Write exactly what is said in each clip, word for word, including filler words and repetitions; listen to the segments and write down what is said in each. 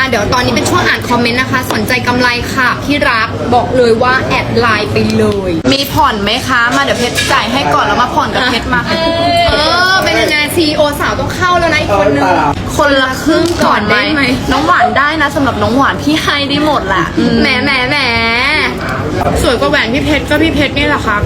เดี๋ยวตอนนี้เป็นช่วงอ่านคอมเมนต์นะคะ สนใจกำไรค่ะพี่รักบอกเลยว่าแอดไลน์ไปเลยมีผ่อนไหมคะมาเดี๋ยวเพชรจ่ายให้ก่อนแล้วมาผ่อนกับเพชรมาเออเป็นยังไงซีโอสาวต้องเข้าแล้วนะอีกคนนึงคนละครึ่งก่อนไหมได้ไหมน้องหวานได้นะสำหรับน้องหวานพี่ให้ได้หมดแหละแหมแหมแหมสวยกว่าแหวนพี่เพชรก็พี่เพชรนี่แหละครับ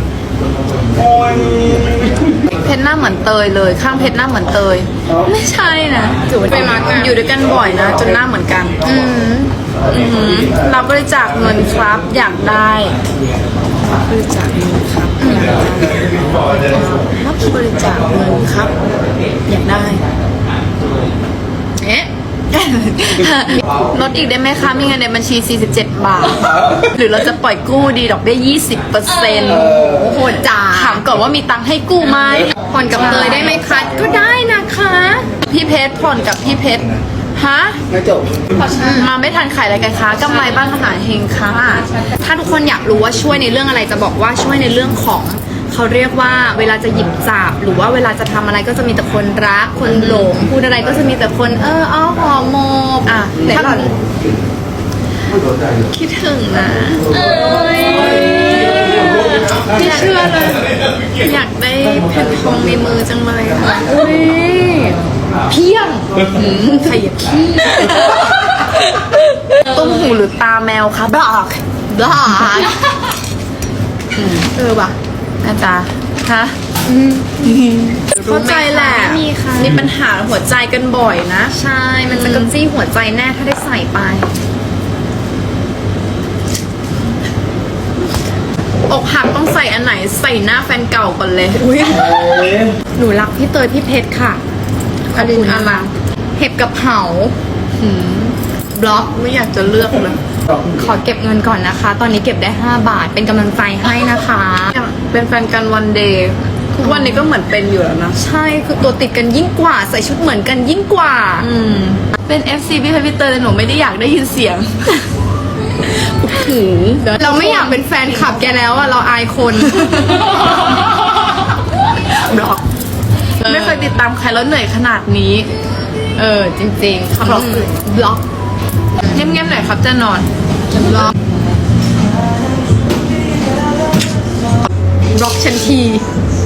เพชรหน้าเหมือนเตยเลย ข้างเพชรหน้าเหมือนเตย ไม่ใช่นะจูดไปมากันอยู่ด้วยกันบ่อยนะจนหน้าเหมือนกันอืมอือหือรับบริจาคเงินครับอยากได้รับบริจาคเงินครับอยากได้รับบริจาคเงินครับ อยากได้เอ๊ะลดอีกได้ไหมคะมีเงินในบัญชีสี่สิบเจ็ดบาท หรือเราจะปล่อยกู้ดีดอกเบี้ยยี่สิบเปอร์เซ็นต์โหดจ้าถามก่อนว่ามีตังค์ให้กู้ไหมผ่อนกับเตยได้ไหมคะก็ได้นะคะพี่เพชรผ่อนกับพี่เพชรฮะไม่จบมาไม่ทันขายอะไรกันคะกำไรบ้านขนาดเฮงค่ะถ้าทุกคนอยากรู้ว่าช่วยในเรื่องอะไรจะบอกว่าช่วยในเรื่องของเขาเรียกว่าเวลาจะหยิบจับหรือว่าเวลาจะทำอะไรก็จะมีแต่คนรักคนหลงพูดอะไรก็จะมีแต่คนเอออ้อหอมโมบอ่ะไหนถ้าหล่อนคิดถึงนะพี่เชื่อเลยอยากได้แผ่นทองในมือจังเลยค่ะอุ้ยเพียงใครอยากขี้ต้มหูหรือตาแมวคะบล็อกบลาเออว่ะอาจารย์ฮะเข้าใจแหละไม่มีค่ะมีปัญหาหัวใจกันบ่อยนะใช่ มันจะกระจี้หัวใจแน่ถ้าได้ใส่ไปอกหักต้องใส่อันไหนใส่หน้าแฟนเก่าก่อนเลยอุ้ยหนูรักพี่เตยพี่เพชรค่ะอดินอารังเห็บกับเผาบล็อกไม่อยากจะเลือกเลยขอเก็บเงินก่อนนะคะ ตอนนี้เก็บได้ห้าบาท เป็นกำลังใจให้นะคะเป็นแฟนกันวันเดย์ทุกวันนี้ก็เหมือนเป็นอยู่แล้วนะใช่ คือตัวติดกันยิ่งกว่า ใส่ชุดเหมือนกันยิ่งกว่าอืม เป็น เอฟ ซี พี่เพชรพี่เตยแต่หนูไม่ได้อยากได้ยินเสียงหูเราไม่อยากเป็นแฟนคลับแกแล้วอะเราอายคนบล็อก ไม่เคยติดตามใครแล้วเหนื่อยขนาดนี้เออ จริงๆบล็อกบล็อกเงียบๆหน่อยครับจะนอนบล็อกบล็อกฉันทีบ